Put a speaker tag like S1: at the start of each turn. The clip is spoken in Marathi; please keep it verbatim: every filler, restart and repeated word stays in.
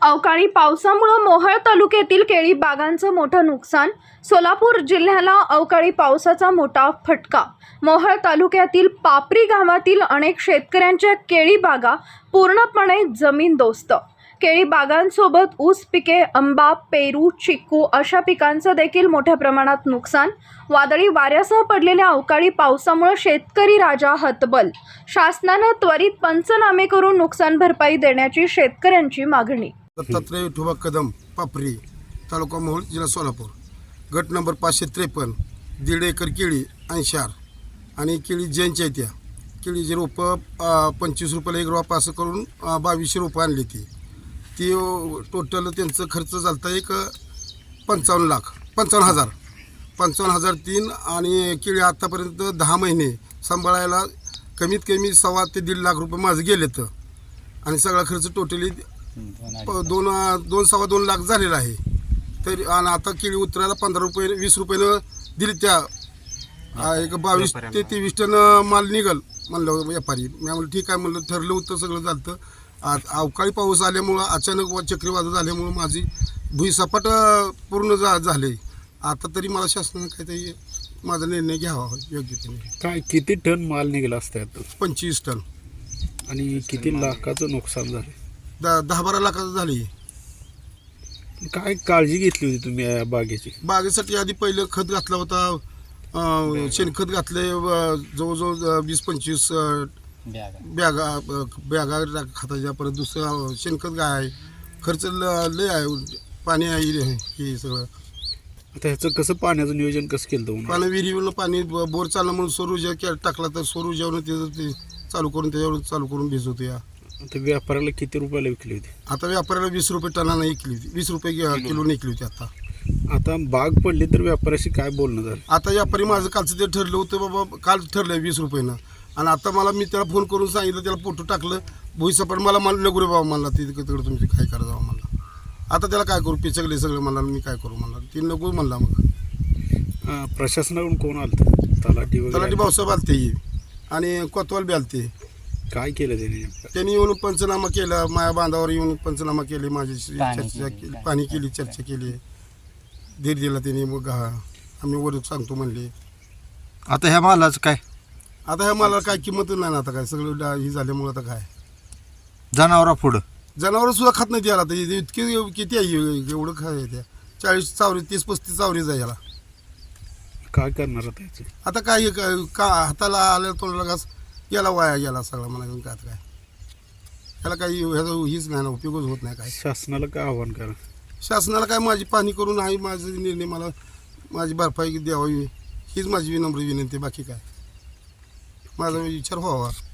S1: अवकाळी पावसामुळे मोहोळ तालुक्यातील केळी बागांचं मोठं नुकसान. सोलापूर जिल्ह्याला अवकाळी पावसाचा मोठा फटका. मोहोळ तालुक्यातील पापरी गावातील अनेक शेतकऱ्यांच्या केळी बागा पूर्णपणे जमीनदोस्त. केळी बागांसोबत ऊस पिके, आंबा, पेरू, चिक्कू अशा पिकांचं देखील मोठ्या प्रमाणात नुकसान. वादळी वाऱ्यासह पडलेल्या अवकाळी पावसामुळे शेतकरी राजा हतबल. शासनानं त्वरित पंचनामे करून नुकसान भरपाई देण्याची शेतकऱ्यांची मागणी.
S2: दत्तात्रय विठोबा कदम, पापरी, तालुका मोहोळ, जिल्हा सोलापूर. गट नंबर पाचशे त्रेपन्न. दीड एकर केळी ऐंशी आर आणि केळी जैनच्या त्या केळीची रोपं पंचवीस रुपयाला एक रोप असं करून बावीसशे रोपं आणली ती ती टोटल त्यांचं खर्च झाला एक पंचावन्न लाख पंचावन्न हजार पंचावन्न हजार तीन आणि केळी आत्तापर्यंत दहा महिने सांभाळायला कमीत कमी सव्वा ते दीड लाख रुपये माझं गेलेत आणि सगळा खर्च टोटली दोन दोन सव्वा दोन लाख झालेला आहे. तरी आणि आता केळी उतरायला पंधरा रुपये वीस रुपयानं दिली त्या एक बावीस ते तेवीस टन माल निघल म्हणलं व्यापारी. मी म्हणलं ठीक आहे म्हणलं, ठरलं होतं सगळं झालं. आज अवकाळी पाऊस आल्यामुळं अचानक चक्रीवादळ झाल्यामुळं माझी भुईसपाट पूर्ण जा झाले. आता तरी मला शासनानं काहीतरी माझा निर्णय घ्यावा योग्यतेने.
S3: काय किती टन माल निघाला असतात?
S2: पंचवीस टन.
S3: आणि किती लाखाचं नुकसान झालं?
S2: दहा दहा बारा लाखाचं झाली.
S3: काय काळजी घेतली होती तुम्ही या बागेची?
S2: बागेसाठी आधी पहिलं खत घातला होता, शेणखत घातले जवळजवळ वीस पंचवीस बॅगा बॅगा खताच्या. परत दुसरं शेणखत काय आहे, खर्च लय आहे, पाणी आहे हे सगळं.
S3: आता ह्याचं कसं पाण्याचं नियोजन कसं केलं तुम्ही?
S2: पाणी विहिरीवरनं पाणी बोर चाललं म्हणून सौर ऊर्जा टाकला तर सौर ऊर्जावरून त्याचं ते चालू करून त्याच्यावर चालू करून भिजवतो. या
S3: आता व्यापाऱ्याला किती रुपयाला विकली होती?
S2: आता व्यापाऱ्याला वीस रुपये टनानं विकली होती, वीस रुपये किलो विकली होती. आता
S3: आता बाग पडली तर व्यापाऱ्याशी काय बोलणं झालं?
S2: आता व्यापारी माझं कालचं ते ठरलं होतं बाबा, काल ठरलं वीस रुपयानं. आणि आता मला मी त्याला फोन करून सांगितलं, त्याला फोटो टाकलं भुईसपाट. मला मला नको रे बाबा म्हणला, ती तिकडं तुम्ही काय करा जावं म्हणला. आता त्याला काय करू, पिचकले सगळं म्हणला, मी काय करू म्हणला. ती नको म्हणला. मग
S3: प्रशासनाकडून कोण आलं? तलाठी वगैरे?
S2: तलाठी भाऊसाहेब आलते आणि कोतवाल बी आलते.
S3: काय केलं त्यांनी?
S2: त्यांनी येऊन पंचनामा केला, माया बांधावर येऊन पंचनामा केले, माझ्याशी चर्चा केली, पाणी केली, चर्चा केली, धीर दिला त्यांनी. मग आम्ही वर सांगतो म्हणले.
S4: आता ह्या मालाचं काय?
S2: आता ह्या मला काय किंमत नाही ना. आता काय सगळं ही झाल्यामुळं आता काय
S4: जनावरा पुढं
S2: जनावरं सुद्धा खात नाही त्याला. आता इतके किती आहे एवढं खाय त्या चाळीस चावरी तीस पस्तीस चावरीच आहे याला.
S3: काय करणार आता ह्याचं?
S2: आता काय का हाताला आल्या तोंडाला घास याला वाया गेला सगळा म्हणायचं. काय काय याला काही ह्याचा हीच नाही ना, उपयोगच होत नाही. काय
S3: शासनाला काय आव्हान करा?
S2: शासनाला काय माझी पाहणी करून आहे, माझा निर्णय मला माझी भरपाई द्यावी हीच माझी विनम्र विनंती. बाकी काय माझा विचार व्हावा.